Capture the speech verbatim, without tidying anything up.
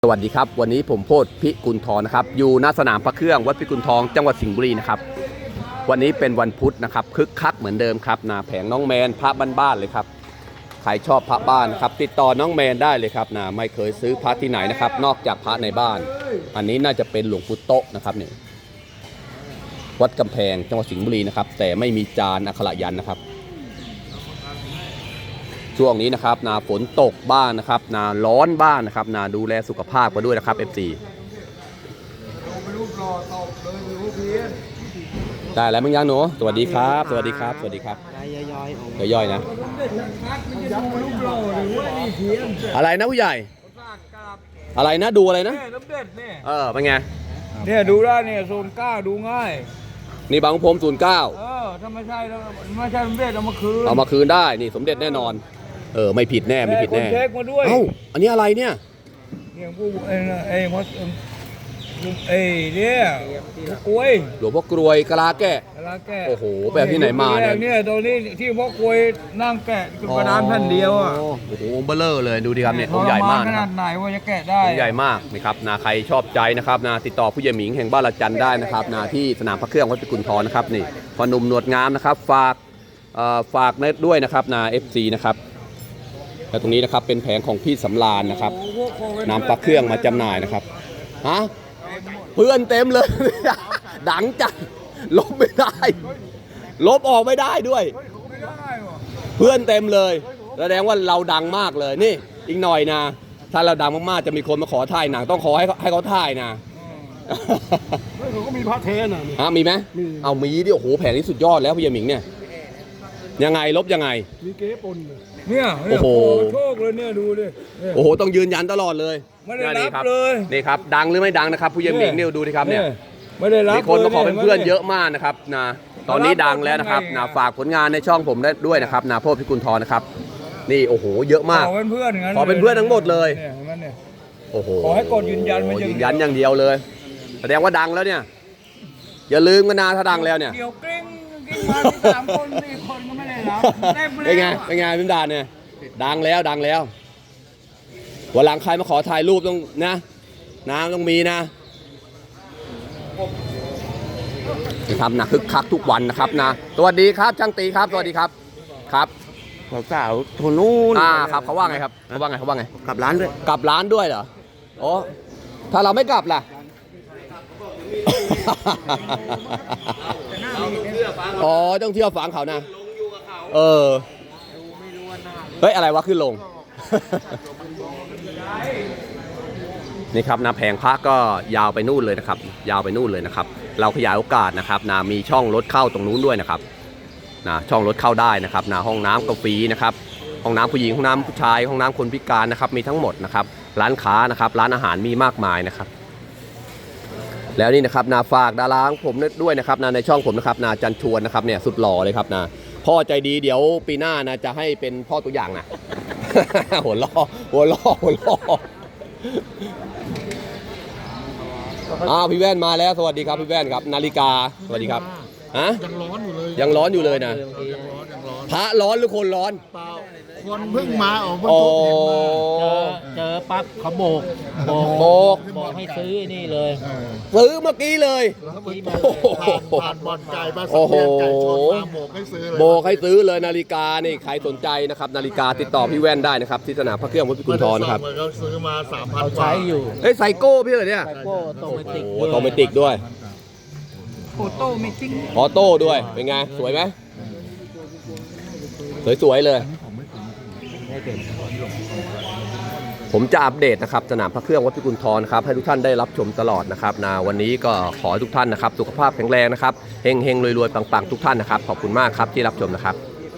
สวัสดีครับวันนี้ผมโพธิ์พิกุลทองนะครับอยู่หน้าสนามพระเครื่องวัดพิกุลทองจังหวัดสิงห์บุรีนะครับวันนี้เป็นวันพุธนะครับคึกคักเหมือนเดิมครับนาแผงน้องแมนพระบ้านๆเลยครับใครชอบพระบ้านครับติดต่อน้องแมนได้เลยครับนาไม่เคยซื้อพระที่ไหนนะครับนอกจากพระในบ้านอันนี้น่าจะเป็นหลวงปู่โตะนะครับนี่วัดกำแพงจังหวัดสิงห์บุรีนะครับแต่ไม่มีจานอักขระยันต์นะครับช่วงนี้นะครับนาฝนตกบ้างนะครับนาร้อนบ้างนะครับนาดูแลสุขภาพกันด้วยนะครับ เอฟ ซี ได้แล้วมึงยังหนูสวัสดีครับสวัสดีครับสวัสดีครับย่อยๆย่อยๆนะอะไรนะผู้ใหญ่อะไรนะดูอะไรนะเออเป็นไงเนี่ยดูได้เนี่ยโซนเก้าดูง่ายนี่บางพรมศูนย์เก้าเออถ้าไม่ใช่แล้วไม่ใช่สมเด็จเอามาคืนเอามาคืนได้นี่สมเด็จแน่นอนเออไม่ผิดแน่ไม่ผิดแน่เช็คมาด้วยเอ้าอันนี้อะไรเนี่ยเนี่ยผู้ไอ้ไอ้มดไอ้เนี่ยกล้วยหลวงพ่อกรวยกะลาแก่กะลาแก่โอ้โหแบบที่ไหนมาเนี่ยเนี่ยตัวนี้ที่พ่อกล้วยนั่งแกะกระดานแผ่นเดียวอ่ะโอ้โหเบลเลอร์เลยดูดิครับเนี่ยองค์ใหญ่มากขนาดไหนว่าจะแกะได้องค์ใหญ่มากนะครับนาใครชอบใจนะครับนาติดต่อผู้ใหญ่หมิงแห่งบ้านละจันได้นะครับนาที่สนามพระเครื่องวัดพิกุลทองนะครับนี่พอหนุ่มหนวดงามนะครับฝากฝากด้วยนะครับนา เอฟ ซี นะครับและตรงนี้นะครับเป็นแผงของพี่สำราญนะครับนำพระเครื่องมาจำหน่ายนะครับฮะเพื่อนเต็มเลยดังจังลบไม่ได้ลบออกไม่ได้ด้วยเพื่อนเต็มเลยแสดงว่าเราดังมากเลยนี่อีกหน่อยนะถ้าเราดังมากๆจะมีคนมาขอถ่ายหนังต้องขอให้ให้เขาถ่ายนะเขาก็มีพระเทนอ่ะฮะมีไหมเอามีดิโอ้โหแผงนี้สุดยอดแล้วพี่ยาหมิงเนี่ยยังไงลบยังไงมีเก๊ปนเนี่ยโอ้โหโชคเลยเนี่ยดูดิโอ้โหต้องยืนยันตลอดเลยไม่ได้รับเลยนี่ครับดังหรือไม่ดังนะครับผู้ใหญ่หมิงเนี่ยดูดิครับเนี่ยไม่ได้รับมีคนมาขอเป็นเพื่อนเยอะมากนะครับนะตอนนี้ดังแล้วนะครับนะฝากผลงานในช่องผมได้ด้วยนะครับนะโพธิ์พิกุลทองนะครับนี่โอ้โหเยอะมากขอเป็นเพื่อนขอเป็นเพื่อนทั้งหมดเลยโอ้โหขอให้กดยืนยันมันยืนยันอย่างเดียวเลยแสดงว่าดังแล้วเนี่ยอย่าลืมกันนะถ้าดังแล้วเนี่ยเดี๋ยวกลิ้งกลิ้งมาสามคนสี่คนก็ไม่ได้รับเป็นไงเป็นไงพิมพ์ดาเนี่ยดังแล้วดังแล้ววันหลังใครมาขอถ่ายรูปต้องนะน้ำต้องมีนะนะครับนะคึกคักทุกวันนะครับนะสวัสดีครับช่างตีครับสวัสดีครับครับสาวคนนู้นอ่าครับเขาว่าไงครับเขาว่าไงเขาว่าไงกลับร้านด้วยกลับร้านด้วยเหรอโอ้ถ้าเราไม่กลับล่ะอ๋อต้องเที่ยวฝังเขานะเออเฮ้ยอะไรวะขึ้นลงนี่ครับนาแผงพระก็ยาวไปนู่นเลยนะครับยาวไปนู่นเลยนะครับเราขยายโอกาสนะครับนามีช่องรถเข้าตรงนู้นด้วยนะครับนะช่องรถเข้าได้นะครับนาห้องน้ำก็ฟรีนะครับห้องน้ำผู้หญิงห้องน้ำผู้ชายห้องน้ำคนพิการนะครับมีทั้งหมดนะครับร้านค้านะครับร้านอาหารมีมากมายนะครับแล้วนี่นะครับนาฝากดาราของผมด้วยนะครับนาในช่องผมนะครับนาจันชวนนะครับเนี่ยสุดหล่อเลยครับนาพ่อใจดีเดี๋ยวปีหน้านะจะให้เป็นพ่อตัวอย่างนะหัวล้อหัวล้อหัวล้ออ้าวพี่แว่นมาแล้วสวัสดีครับพี่แว่นครับนาฬิกาสวัสดีครับฮะยังร้อนอยู่เลยยังร้อนอยู่เลยนะพระร้อนหรือคนร้อนเปล่าคนเพิ่งมาออกโอ้เจอปั๊บเขาโบกโบกบอกให้ซื้อนี่เลยซื้อเมื่อกี้เลยผ่านบอลไก่มาสักเดือนไก่ชนมาโบกให้ซื้อเลยโบกให้ซื้อเลยนาฬิกานี่ใครสนใจนะครับนาฬิกาติดต่อพี่แว่นได้นะครับที่สนามพระเครื่องวัดพิกุลทองนะครับเขาซื้อมาสามพันใช้อยู่เฮ้ยไซโก้พี่เหรอเนี่ยไซโก้โตเมติกโอ้โตเมติกด้วยโอโต้เมติกออโต้ด้วยเป็นไงสวยไหมสวยๆเลยผมจะอัปเดตนะครับสนามพระเครื่องวัดพิกุลทองครับให้ทุกท่านได้รับชมตลอดนะครับนะวันนี้ก็ขอให้ทุกท่านนะครับสุขภาพแข็งแรงนะครับเฮงๆรวยๆปังๆทุกท่านนะครับขอบคุณมากครับที่รับชมนะครับ